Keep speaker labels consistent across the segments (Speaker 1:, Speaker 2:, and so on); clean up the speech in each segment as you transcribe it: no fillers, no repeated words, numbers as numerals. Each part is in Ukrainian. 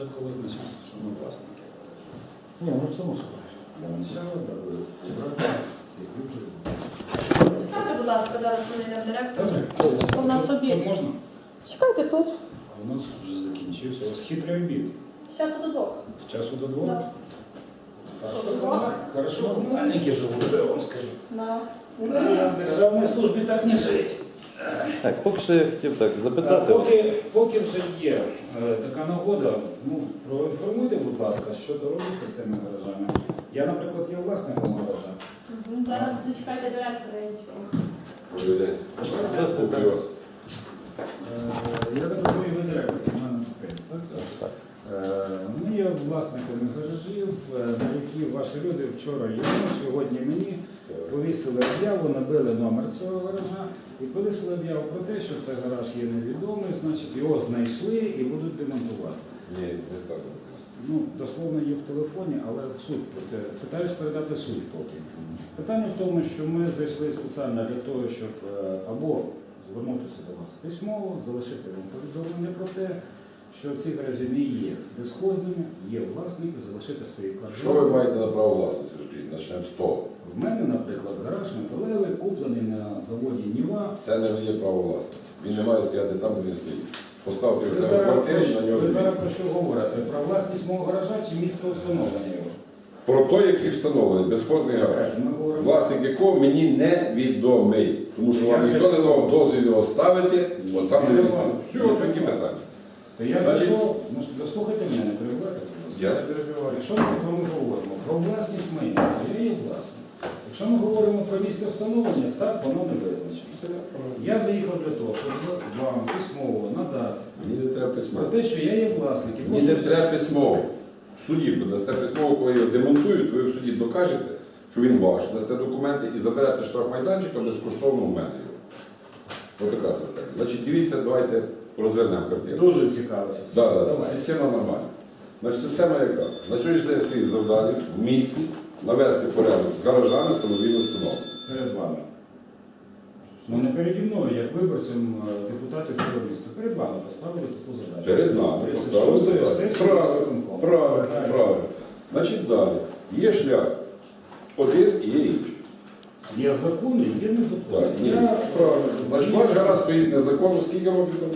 Speaker 1: Спочатку визначимося, що ми власники.
Speaker 2: Ні, ну це мусить.
Speaker 1: Для начала, даби убрати всіх виборів.
Speaker 3: Чекайте, будь ласка, зараз повинен директор.
Speaker 1: Так.
Speaker 3: У нас обід.
Speaker 1: Тут можна?
Speaker 3: Чекайте тут.
Speaker 1: А у нас вже закінчився. У вас хитрий обід.
Speaker 3: З часу до 2.
Speaker 1: З часу до 2?
Speaker 3: Да.
Speaker 1: Хорошо, комунальники живуть, що я вам скажу.
Speaker 3: Да.
Speaker 1: В державній службі так не жить.
Speaker 2: Так, поки що я хотів так запитати.
Speaker 1: Поки вже є така нагода, проінформуйте, будь ласка, що то робиться з тими гаражами. Я, наприклад, є власником гаража.
Speaker 3: Зараз зачекайте директора і нічого.
Speaker 1: Я так розумію, ви директор комунального підприємства, так? Ми є власниками гаражів, на які ваші люди вчора і сьогодні мені повісили об'яву, набили номер цього гаража і повісили об'яву про те, що цей гараж є невідомий, значить його знайшли і будуть демонтувати.
Speaker 4: Ні, не так.
Speaker 1: Ну, дословно є в телефоні, але суть, питаюсь передати суть поки. Питання в тому, що ми зайшли спеціально для того, щоб або звернутися до вас письмово, залишити вам повідомлення про те, що ці гаражі не є безхозними, є власники, залишити свої координати.
Speaker 4: Що ви маєте на право власності? Почнемо з того.
Speaker 1: В мене, наприклад, гараж металевий, куплений на заводі Ніва.
Speaker 4: Це не є право власності. Він не має стояти там, де він стоїть. Поставте в себе в квартирі, на нього
Speaker 1: Ви зараз
Speaker 4: дивіться.
Speaker 1: про що говорите? Про власність мого гаража чи місце встановлення його?
Speaker 4: Про той, який встановлений, безхозний гараж.
Speaker 1: Ми говоримо.
Speaker 4: Власник якого мені невідомий. Тому що вам ніхто не давав дозвіл його ставити, от там де він стоїть. Все, такі питання.
Speaker 1: То я прийшов, дослухайте мене, не перебувайте, будь ласка.
Speaker 4: Я не перебиваю.
Speaker 1: Якщо ми про ми говоримо про власність майна, то я є власник. Якщо ми говоримо про місце встановлення, так воно не визначено. Я заїхав для того, щоб вам письмово надати
Speaker 4: Мені не треба
Speaker 1: про
Speaker 4: письмово.
Speaker 1: те, що я є власник. І
Speaker 4: Мені не треба письмово. В суді ви дасте письмово, коли його демонтують, ви в суді докажете, що він ваш, дасте документи і заберете штрафмайданчика безкоштовно в мене його. Ось така система. Значить, дивіться, давайте розвернемо картину.
Speaker 1: Дуже цікава система.
Speaker 4: Так,
Speaker 1: Давай.
Speaker 4: система нормальна. Значить, система яка? На сьогоднішній день стоїть завдання в місті навести порядок з гаражами самовільно встановлення.
Speaker 1: Перед вами. Ну не переді мною, як виборцем депутатів цього міста. Перед вами поставили таку задачу.
Speaker 4: Перед нами поставили задачу. Правильно. Значить, далі. Є шлях один і є інший.
Speaker 1: Є закон і є незакон.
Speaker 4: Так, правильно. Значить, ваш гараж стоїть незаконно, скільки років там?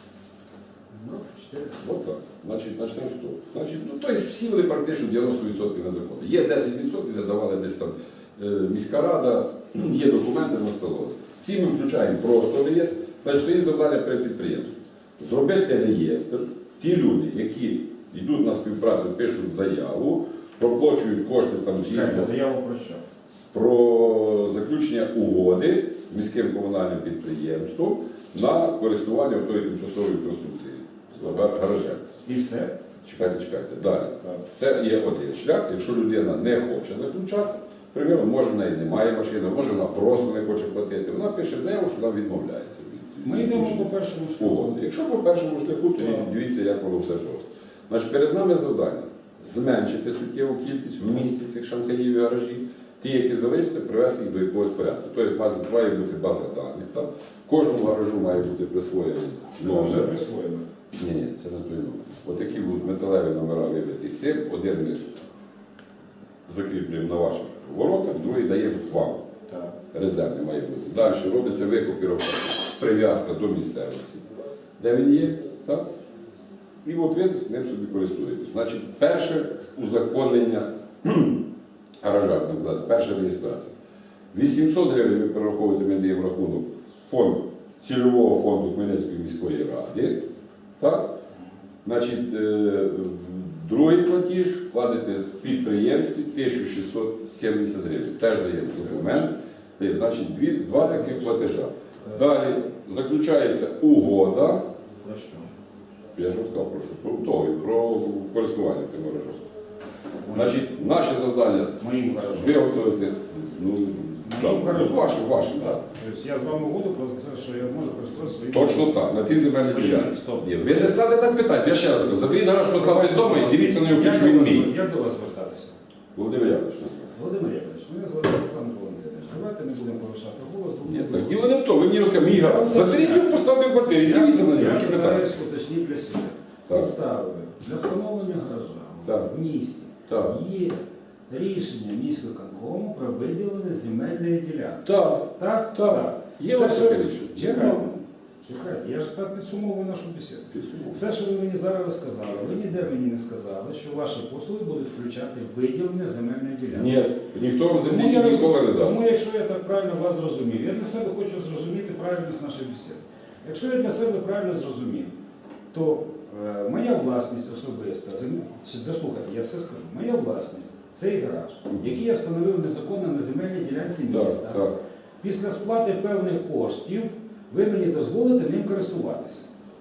Speaker 1: Ну, 4.
Speaker 4: От так. Значить, почнемо з того. Значить, ну, тобто всі вони практично 90% незаконні. Є 10%, де давали десь там міська рада, є документи на столові. Ці ми включаємо просто реєстр. Значить, стоїть завдання перед підприємством. Зробити реєстр. Ті люди, які йдуть на співпрацю, пишуть заяву, проплачують кошти там згідно
Speaker 1: Заяву про що?
Speaker 4: про заключення угоди з міським комунальним підприємством на користування тої тимчасової конструкції з гаражем.
Speaker 1: І все?
Speaker 4: Чекайте. Далі. Це є один шлях. Якщо людина не хоче заключати, приміром, може в неї немає машини, може вона просто не хоче платити, вона пише заяву, що вона відмовляється від
Speaker 1: Ми йдемо
Speaker 4: заключення
Speaker 1: по першому шляху.
Speaker 4: угоди. Якщо по першому шляху, то дивіться, як воно все просто. Значить, перед нами завдання зменшити суттєву кількість в місті цих шанкаїв і гаражів. Ті, які залишаться, привести їх до якогось порядку. Тобто має бути база даних. Так? Кожному гаражу має бути присвоєний
Speaker 1: Вже
Speaker 4: номер.
Speaker 1: присвоїли.
Speaker 4: Ні, це не той номер. Ось такі будуть металеві номера вибиті з цим. Один ми закріплюємо на ваших воротах, другий даємо вам.
Speaker 1: Так.
Speaker 4: Резервний має бути. Далі робиться викопіровка, прив'язка до місцевості, де він є. Так? І от ви ним собі користуєтесь. Значить, перше узаконення гаража, так сказати, перша реєстрація. 800 гривень ви перераховуєте, ми даємо рахунок фонд, цільового фонду Хмельницької міської ради. Так? Два другий платіж вкладете в підприємстві 1670 гривень. Теж даємо документ. Значить, два таких платежа. Далі заключається угода.
Speaker 1: Про що?
Speaker 4: Я ж вам сказав, про що? Про договір, про користування тим гаражом. Значить, наше завдання
Speaker 1: Моїм гаражом.
Speaker 4: виготовити, ваші, так.
Speaker 1: Тобто я з вами угоду про те, що я можу користуватися своїм.
Speaker 4: Точно так, на ті земельні
Speaker 1: Своїм.
Speaker 4: ділянки.
Speaker 1: Стоп.
Speaker 4: Ні, ви не ставте так питань, я ще раз кажу, заберіть гараж, поставте вдома і дивіться на нього, що він мій.
Speaker 1: Як до вас звертатися?
Speaker 4: Володимир Яковлевич.
Speaker 1: Володимир Яковлевич, мене звати Олександр Валентинович. Давайте не будемо повишати голос.
Speaker 4: Ні, так діло не в тому, ви мені розказали, мій гараж. Заберіть його, поставте в квартирі, дивіться на нього, які питання.
Speaker 1: Я уточніть для себе.
Speaker 4: Так.
Speaker 1: Підстави для встановлення гаража
Speaker 4: Так.
Speaker 1: в місті
Speaker 4: Так.
Speaker 1: є рішення міськвиконкому про виділення земельної ділянки.
Speaker 4: Так.
Speaker 1: Так?
Speaker 4: Так. Є
Speaker 1: Все,
Speaker 4: ось
Speaker 1: що-
Speaker 4: таке рішення.
Speaker 1: Чекайте, я ж так підсумовую нашу бесіду.
Speaker 4: Підсумовую.
Speaker 1: Все, що ви мені зараз розказали, ви ніде мені не сказали, що ваші послуги будуть включати виділення земельної ділянки.
Speaker 4: Ні, ніхто вам
Speaker 1: Тому
Speaker 4: землі
Speaker 1: я
Speaker 4: ніколи не дасть.
Speaker 1: Тому якщо я так правильно вас зрозумів, я для себе хочу зрозуміти правильність нашої бесіди. Якщо я для себе правильно зрозумів, то моя власність особиста, дослухайте, я все скажу, моя власність, цей гараж, який я встановив незаконно на земельній ділянці міста,
Speaker 4: Так, так.
Speaker 1: після сплати певних коштів ви мені дозволите ним користуватися.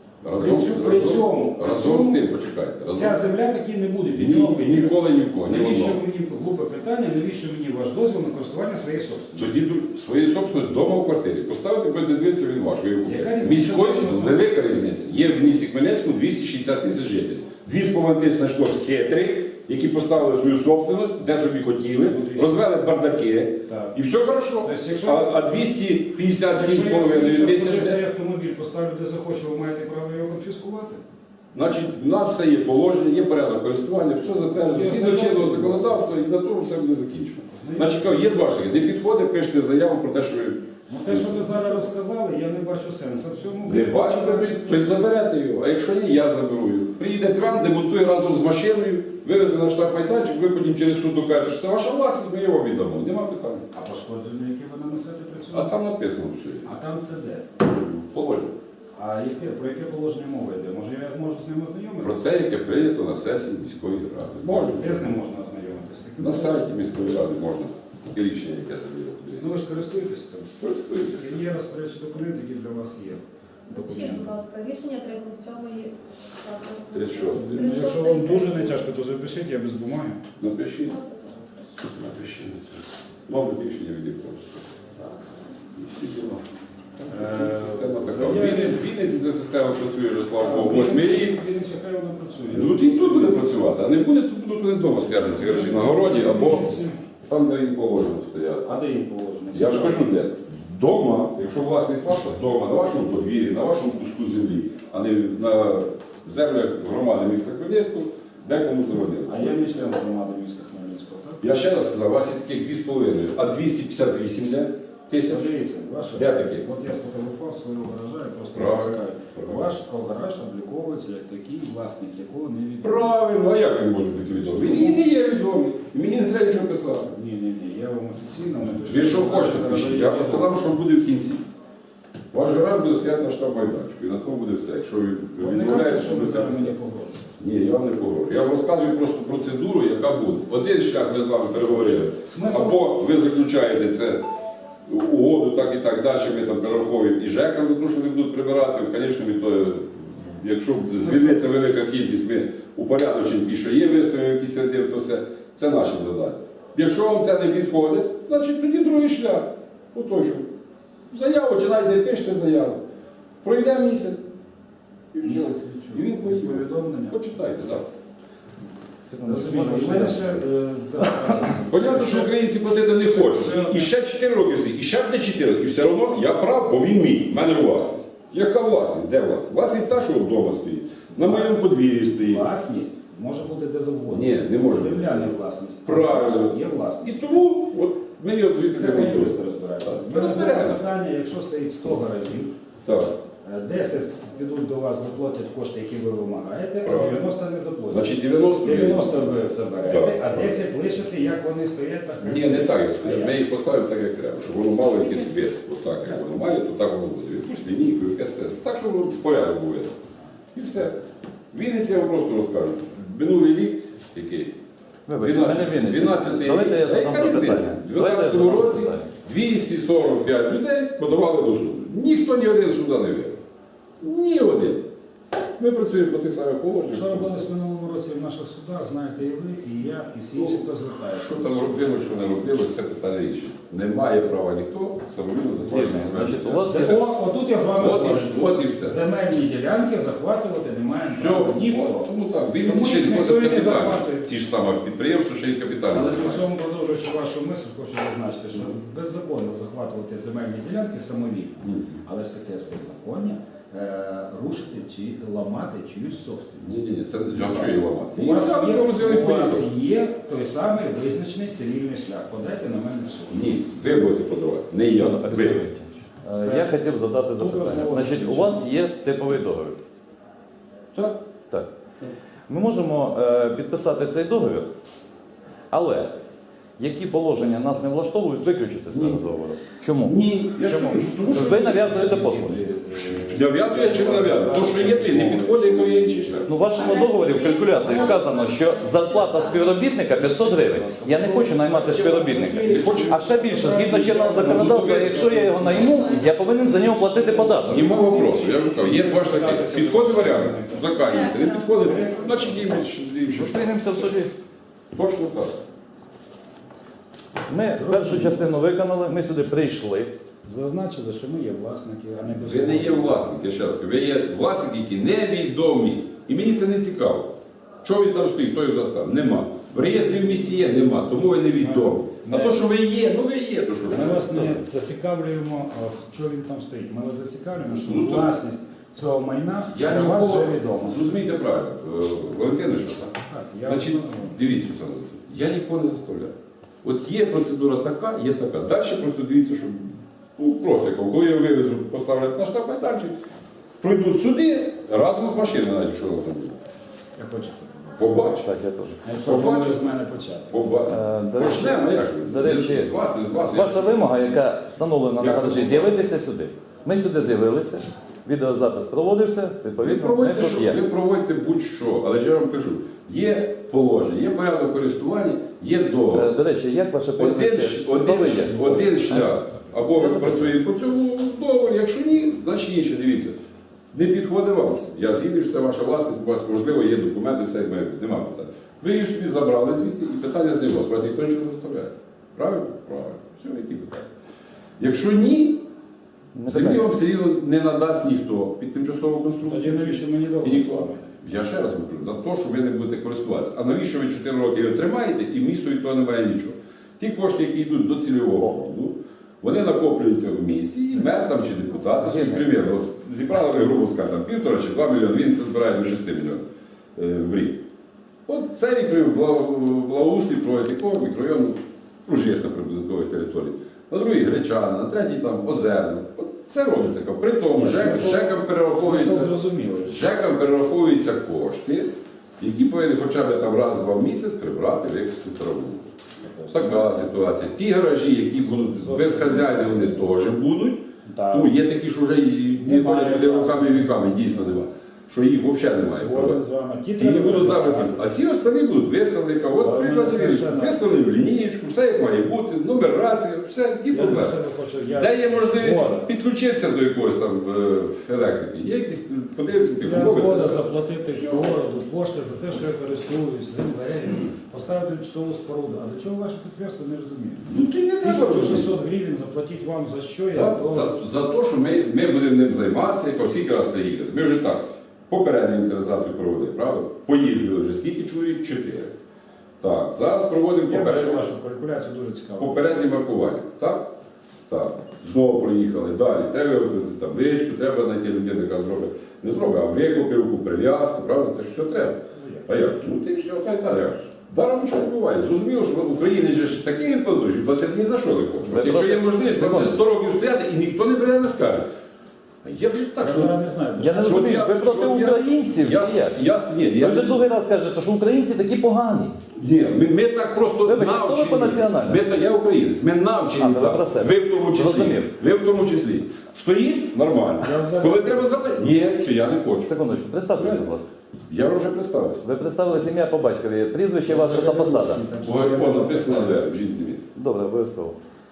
Speaker 4: Разом з тим, почекайте.
Speaker 1: Ця земля таки не буде підйомки.
Speaker 4: Ніколи нікого, ні
Speaker 1: Навіщо
Speaker 4: одного.
Speaker 1: мені глупе питання, навіщо мені ваш дозвіл на користування своєї собственності?
Speaker 4: Тоді своєї собственної вдома в квартирі. Поставити, будете дивитися, він ваш. Ви його купите.
Speaker 1: Яка різниця?
Speaker 4: Міської, велика різниця. Є в місті Хмельницькому 260 тисяч жителів. 2,5 тисяч знайшлось хитрих, які поставили свою собственність, де собі хотіли, розвели бардаки,
Speaker 1: Так.
Speaker 4: і все хорошо.
Speaker 1: Тобто, якщо-
Speaker 4: А 257,5
Speaker 1: Якщо
Speaker 4: тисяч,
Speaker 1: цей автомобіль поставлю де захочу, ви маєте право його конфіскувати?
Speaker 4: значить, у нас все є положення, є порядок користування, все затверджено, згідно чинного законодавства, і на тому все буде закінчено. Значить, є два шляхи. Не підходить, пишете заяву про те, що ви
Speaker 1: Ну, те, що ви зараз розказали, я не бачу сенсу в цьому.
Speaker 4: не бачите, то й заберете його. А якщо ні, я заберу його. Приїде кран, демонтує разом з машиною, вивезе на штаб-майданчик, ви потім через суд докажете, що це ваша власність, ми його віддамо. Нема питань.
Speaker 1: А пошкодження, які ви нанесете при
Speaker 4: А
Speaker 1: цьому?
Speaker 4: там написано все.
Speaker 1: А там це де?
Speaker 4: Положення.
Speaker 1: А про яке положення мова йде? Може я можу з ним
Speaker 4: Про
Speaker 1: ознайомитися?
Speaker 4: те, яке прийнято на сесії міської ради. Можна.
Speaker 1: Де з ним можна ознайомитися?
Speaker 4: На сайті міської ради можна. Таке рішення, яке тобі.
Speaker 1: Ну ви ж користуєтесь цим.
Speaker 4: Користуйтеся.
Speaker 1: Це є розпорядчі документи, які для вас є.
Speaker 3: Вчіть,
Speaker 1: Документи.
Speaker 3: будь ласка, рішення 37-ї.
Speaker 4: 36-ї.
Speaker 1: Ну, якщо вам дуже не тяжко, то запишіть, я без бумаги.
Speaker 4: Напишіть. Напишіть на це. Мабуть, рішення відібрали. І всі діла. Система така. В Вінниці ця система працює вже, слава Богу, 8 рік.
Speaker 1: Він хай вона працює.
Speaker 4: Ну, і тут буде працювати, а не буде, то будуть вони вдома стояти ці гаражі на городі або там, де їм положено стояти.
Speaker 1: А де їм положено?
Speaker 4: Я ж кажу, де? Дома, якщо власність ваша, вдома, на вашому подвір'ї, на вашому куску землі, а не на землях громади міста Хмельницького, де кому заводили.
Speaker 1: А я не член громади міста Хмельницького, так?
Speaker 4: Я ще раз сказав, у вас є таких 2,5, а 258 де? Тисяч.
Speaker 1: Дивіться, ваше.
Speaker 4: Де такі?
Speaker 1: От я сфотографував свого гаража і просто
Speaker 4: Правильно.
Speaker 1: цікавий.
Speaker 4: Правильно.
Speaker 1: Ваш гараж обліковується як такий, власник якого не відомий.
Speaker 4: Правильно, а як він може бути відомий? Він і не є відомий. І мені не треба нічого писати.
Speaker 1: Ні, я вам офіційно напишу.
Speaker 4: Ви що хочете
Speaker 1: Ваш
Speaker 4: пишіть?
Speaker 1: гараж
Speaker 4: Я
Speaker 1: є
Speaker 4: б сказав, що буде в кінці. Ваш гараж буде стояти на штаб-майданчику, і на тому буде все. Якщо ви
Speaker 1: Ви не
Speaker 4: відмовляєте,
Speaker 1: кажете, що ви
Speaker 4: буде
Speaker 1: зараз мені
Speaker 4: все.
Speaker 1: погрожуєте.
Speaker 4: Ні, я вам не погрожую. Я вам розказую просто процедуру, яка буде. Один шлях ми з вами переговорили.
Speaker 1: Смисл?
Speaker 4: Або ви заключаєте це угоду, так і так далі, ми там перераховуємо і ЖЕКам за те, що вони будуть прибирати. Звісно, якщо звільниться велика кількість, ми упорядочимо ті, що є, виставимо якісь ряди, то все. Це наші завдання. Якщо вам це не підходить, значить тоді другий шлях. Отой, що заяву чи навіть не пишете заяву. Пройде місяць. І все.
Speaker 1: Місяць
Speaker 4: І він поїде.
Speaker 1: повідомлення.
Speaker 4: Почитайте, так.
Speaker 1: Розумієте, у мене ще,
Speaker 4: Понятно, що українці платити не хочуть. І ще 4 роки стоїть, і ще буде 4 роки. І все одно я прав, бо він мій. В мене власність. Яка власність? Де власність? Власність та, що вдома стоїть. На моєму подвір'ї стоїть.
Speaker 1: власність може бути де завгодно.
Speaker 4: Ні, не може.
Speaker 1: Земля не власність.
Speaker 4: Правильно.
Speaker 1: Є власність.
Speaker 4: І тому от, ми його звідти
Speaker 1: Це
Speaker 4: не
Speaker 1: хай
Speaker 4: будемо.
Speaker 1: юристи розбираються.
Speaker 4: Так.
Speaker 1: У мене
Speaker 4: Розбираємося.
Speaker 1: питання, якщо стоїть 100 гаражів,
Speaker 4: Так.
Speaker 1: 10 підуть до вас, заплатять кошти, які ви вимагаєте, а
Speaker 4: Правильно.
Speaker 1: 90 не заплатять.
Speaker 4: Значить, 90
Speaker 1: 90 ви заберете,
Speaker 4: Так.
Speaker 1: а 10 лишите, як вони стоять, так
Speaker 4: Ні, не так, як стоять. Ми їх поставимо так, як треба, щоб воно мало якийсь вид. Отак, як воно має, то так воно буде. Якусь лінійку, якесь все. Так, щоб воно порядок був. І все. Вінниці я вам просто розкажу. Минулий рік, який?
Speaker 2: Вибачте, мене Вінниця.
Speaker 4: 12 рік.
Speaker 2: Давайте я
Speaker 4: Та
Speaker 2: задам
Speaker 4: яка
Speaker 2: запитання.
Speaker 4: різниця? В
Speaker 2: Давайте я
Speaker 4: 12
Speaker 2: задам
Speaker 4: році
Speaker 2: запитання.
Speaker 4: 245 людей подавали до суду. Ніхто ні один суда не виграв. Ні один. Ми працюємо по тих самих положеннях.
Speaker 1: Що робилось в минулому році в наших судах, знаєте і ви, і я, і всі інші, хто звертається.
Speaker 4: Що там робили, що не робили, це питання інше. Не має права ніхто самовільно заплатити
Speaker 2: Значить, у
Speaker 4: землю.
Speaker 2: вас є
Speaker 1: Отут я з вами спорю.
Speaker 4: От і все.
Speaker 1: Земельні ділянки захватувати немає
Speaker 4: Все,
Speaker 1: права ніхто.
Speaker 4: тому так. Він
Speaker 1: Тому
Speaker 4: ще й
Speaker 1: їх ніхто
Speaker 4: зносить
Speaker 1: і не
Speaker 4: капітально.
Speaker 1: захватує.
Speaker 4: Ті ж саме підприємства, ще й капітально
Speaker 1: Але при
Speaker 4: займаються.
Speaker 1: цьому, продовжуючи вашу мисль, хочу зазначити, що беззаконно захватувати земельні ділянки самовільно. Але ж таке ж беззаконня рушити чи ламати чиюсь собственність.
Speaker 4: Ні, це я що її ламати.
Speaker 1: У вас,
Speaker 4: Її треба розділити
Speaker 1: у вас
Speaker 4: порядок.
Speaker 1: є той самий визначений цивільний шлях. Подайте на мене в суд.
Speaker 4: Ні, ви будете подавати, не я, ви.
Speaker 2: Я хотів задати запитання. Значить, у вас є типовий договір.
Speaker 4: Так.
Speaker 2: Так. Ми можемо підписати цей договір, але які положення нас не влаштовують, виключити з цього договору. Чому?
Speaker 4: Ні, я ж
Speaker 2: Чому?
Speaker 4: кажу, що тому що
Speaker 2: Ви нав'язуєте послуги.
Speaker 4: нав'язує чи не нав'язує. То, що є ти, не підходить, то є інший шлях.
Speaker 2: Ну, в вашому договорі в калькуляції вказано, що зарплата співробітника 500 гривень. Я не хочу наймати співробітника. А ще більше, згідно чинного законодавства, якщо я його найму, я повинен за нього платити податок.
Speaker 4: Нема вопросу. Я вже кажу, є два шляхи. Підходить варіант, заканюєте. Не підходить, значить їм інші.
Speaker 2: Зустрінемося в суді.
Speaker 4: Точно так.
Speaker 2: Ми першу частину виконали, ми сюди прийшли.
Speaker 1: Зазначили, що ми є власники, а не
Speaker 4: Ви не є власник, я ще раз кажу. Ви є власники, які невідомі. І мені це не цікаво. Що він там стоїть, хто його достав? Нема. В реєстрі в місті є, нема, тому ви невідомі. А то, що ви є, ну ви є, то що ж.
Speaker 1: Ми вас не зацікавлюємо, що він там стоїть. Ми вас зацікавлюємо, що
Speaker 4: Ну, то-
Speaker 1: власність цього майна
Speaker 4: Я
Speaker 1: для вас
Speaker 4: ніколи,
Speaker 1: вже відома.
Speaker 4: зрозумійте правильно, Валентина, що так?
Speaker 1: Так, я
Speaker 4: Значить,
Speaker 1: вас-
Speaker 4: дивіться, Олександр Олексійович, я нікого не заставляю. От є процедура така, є така. Далі просто дивіться, що ну, просто коли я вивезу, поставлять на штаб майданчик, пройдуть суди разом з машиною, навіть якщо вона там буде.
Speaker 1: Я хочу це.
Speaker 4: Побачите.
Speaker 2: Так, я теж.
Speaker 1: Я пропоную з мене почати.
Speaker 4: Побачите.
Speaker 2: До речі,
Speaker 4: Почнемо, як же?
Speaker 2: до речі,
Speaker 4: Не з вас, не з вас.
Speaker 2: Ваша вимога, яка встановлена на
Speaker 4: Я
Speaker 2: гаражі,
Speaker 4: прошу.
Speaker 2: з'явитися сюди. Ми сюди з'явилися, відеозапис проводився,
Speaker 4: Ви
Speaker 2: відповідно, ми
Speaker 4: проводьте,
Speaker 2: тут
Speaker 4: що?
Speaker 2: є.
Speaker 4: Ви проводьте будь-що, але ж я вам кажу, є положення, є порядок користування, є договір.
Speaker 2: До речі, як ваше прізвище? Хто ви є?
Speaker 4: Один шлях. Або ви працюєте по цьому договору, якщо ні, значить інше, дивіться. Не підходить вам це. Я згідний, що це ваша власність, у вас, можливо, є документи, все як має бути. Нема питань. Ви її собі забрали звідти і питання з вас. Вас ніхто нічого не заставляє. Правильно? Правильно. Все, які питання. Якщо ні,
Speaker 2: Не
Speaker 4: землі
Speaker 2: питання.
Speaker 4: вам все рівно не надасть ніхто під тимчасову конструкцію.
Speaker 1: Тоді навіщо мені
Speaker 4: І
Speaker 1: договір?
Speaker 4: ніколи. Я ще раз кажу, за те, що ви не будете користуватися. А навіщо ви 4 роки його тримаєте і місто від того немає нічого? Ті кошти, які йдуть до цільового фонду, вони накоплюються в місті, і мер там чи депутат, примірно, зібрали ви, грубо скажемо, 1,5 чи 2 мільйони, він це збирає до 6 мільйонів в рік. От цей рік при благоустрій проводить якого мікрорайону Ружєшна прибудинкової території, на другій Гречана, на третій там Озерна. От це робиться. При тому ЖЕКам перераховується.
Speaker 1: Це зрозуміло.
Speaker 4: ЖЕКам перераховуються кошти, які повинні хоча б там раз-два в місяць прибрати, використати траву. Така ситуація. Ті гаражі, які будуть без хазяїна, вони теж будуть.
Speaker 1: Так.
Speaker 4: Ну, є такі, що вже і не
Speaker 1: Немає,
Speaker 4: ходять туди
Speaker 1: власне.
Speaker 4: руками і віками, дійсно немає. Що їх взагалі немає.
Speaker 1: Згоден з вами. Ті
Speaker 4: І не
Speaker 1: треба
Speaker 4: будуть
Speaker 1: прибрати.
Speaker 4: заробити. А ці останні будуть виставлені. От,
Speaker 1: Але
Speaker 4: приклад,
Speaker 1: мене совершенно-
Speaker 4: виставлені в лінієчку, все як має бути, нумерація, все, які
Speaker 1: Я для
Speaker 4: проблеми.
Speaker 1: себе хочу.
Speaker 4: Де є можливість
Speaker 1: Згоден.
Speaker 4: підключитися до якоїсь там електрики? Є якісь, подивитися, ти
Speaker 1: Я
Speaker 4: купити.
Speaker 1: згода заплатити городу кошти за те, що я користуюсь землею, поставити часову споруду. А до чого ваше підприємство не розуміє?
Speaker 4: Ну ти не треба розуміти.
Speaker 1: 1600 гривень заплатіть вам за що, я
Speaker 4: Так,
Speaker 1: готовий.
Speaker 4: за те, що ми будемо ним займатися, як всі раз приїхати. Ми вже так попередню інвентаризацію провели, правда? Поїздили вже скільки чоловік? 4. Так, зараз проводимо
Speaker 1: Я бачу
Speaker 4: попереднє,
Speaker 1: вашу калькуляцію дуже цікаво.
Speaker 4: попереднє маркування. Так? Так. Знову проїхали. Далі. Треба вибрати табличку, треба знайти людину, яка зробить. Не зробить, а викупівку, прив'язку, правда? Це ж все треба. А як? Ну ти все, та й далі. Даром нічого не буває. Зрозуміло, що в Україні ж такий він подорожі, платити ні за що не хоче. От якщо є можливість, це буде 100 років стояти і ніхто не бере не скаже. А як же так?
Speaker 1: Я
Speaker 4: Що...
Speaker 1: зараз не знаю.
Speaker 2: Я не
Speaker 4: Щоб
Speaker 2: розумію,
Speaker 4: я-
Speaker 2: ви проти
Speaker 4: щоб я-
Speaker 2: українців
Speaker 4: Я,
Speaker 2: чи як?
Speaker 4: ні,
Speaker 2: Ви вже другий раз кажете, що українці такі погані.
Speaker 4: ні, ми так просто
Speaker 2: Вибачте, хто ви
Speaker 4: навчені.
Speaker 2: по національності?
Speaker 4: Я українець, ми навчені
Speaker 2: А, ви
Speaker 4: так.
Speaker 2: про себе.
Speaker 4: Ви в тому числі.
Speaker 2: Зрозумів.
Speaker 4: Ви в тому числі. Стоїть нормально.
Speaker 1: Я взагалі-
Speaker 4: Коли треба заплатити, ні, це я не хочу.
Speaker 2: Секундочку, представтеся, будь ласка.
Speaker 4: Я вам вже представився.
Speaker 2: Ви представили ім'я по батькові, прізвище ваше та посада.
Speaker 4: Ой, написано де в житті.
Speaker 2: Добре, обов'язково.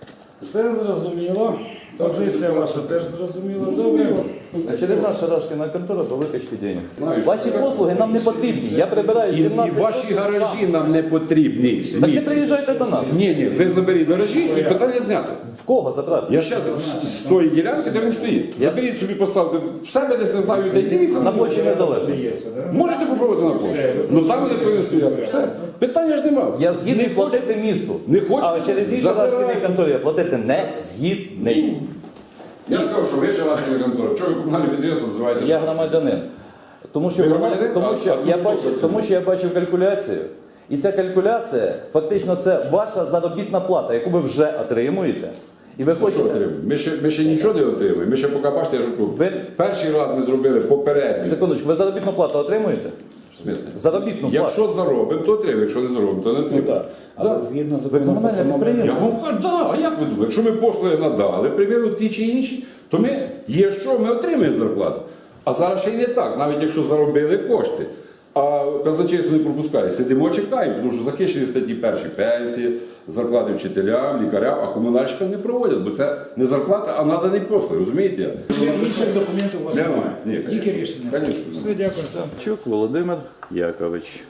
Speaker 1: Все зрозуміло. Позиція ваша теж зрозуміла. Добре.
Speaker 2: Очередна шарашкіна контора по викачці денег.
Speaker 4: Знаєш,
Speaker 2: Ваші
Speaker 4: так.
Speaker 2: послуги нам не потрібні. Я прибираю 17 років сам.
Speaker 4: нам не потрібні.
Speaker 2: Так не приїжджайте до нас.
Speaker 4: Ні, ви заберіть гаражі і питання знято.
Speaker 2: В кого забрати?
Speaker 4: Я зараз з тої ділянки, де він стоїть. Заберіть собі, поставте в себе десь, не знаю, де дивіться.
Speaker 2: На площі Незалежності.
Speaker 1: Здається, да?
Speaker 4: Можете попробувати на площі. Ну там вони повинні стояти. Все. Питання ж немає.
Speaker 2: Я згідний
Speaker 4: Не
Speaker 2: платити місту.
Speaker 4: Не хочете?
Speaker 2: А очередній
Speaker 4: Забирайте.
Speaker 2: шарашкіній конторі я платити не згідний.
Speaker 4: Я сказав, що ви желательна контора. Чого ви комунальне підприємство називаєте?
Speaker 2: Я
Speaker 4: шашкою?
Speaker 2: громадянин. Тому що,
Speaker 4: Ви громадянин?
Speaker 2: тому що я бачив калькуляцію. І ця калькуляція, фактично, це ваша заробітна плата, яку ви вже отримуєте. І ви
Speaker 4: Що
Speaker 2: хочете.
Speaker 4: отримуємо? Ми ще нічого не отримуємо. Ми ще поки бачите, я ж тут.
Speaker 2: Ви-
Speaker 4: Перший раз ми зробили попередній.
Speaker 2: Секундочку, ви заробітну плату отримуєте?
Speaker 4: В смислі?
Speaker 2: Заробітну плату.
Speaker 4: Якщо заробимо, то отримаємо. Якщо не заробимо, то не
Speaker 1: Ну,
Speaker 4: отримаємо.
Speaker 1: так. Але згідно
Speaker 2: Ви
Speaker 1: закону про
Speaker 2: комунальне
Speaker 1: самоврядування,
Speaker 2: підприємство.
Speaker 4: Я вам кажу, да, а як ви думаєте? Якщо ми послуги надали, приміру ті чи інші, то ми є що, ми отримуємо зарплату. А зараз ще й не так, навіть якщо заробили кошти. А казначейство не пропускає. Сидимо, чекаємо, тому що захищені статті перші пенсії, зарплати вчителям, лікарям, а комунальщикам не проводять, бо це не зарплата, а надані послуги, розумієте?
Speaker 1: інших документів у вас
Speaker 4: Немає.
Speaker 1: немає.
Speaker 4: Ні,
Speaker 1: Тільки рішення.
Speaker 4: конечно.
Speaker 1: Все, дякую.
Speaker 2: Чук Володимир Якович.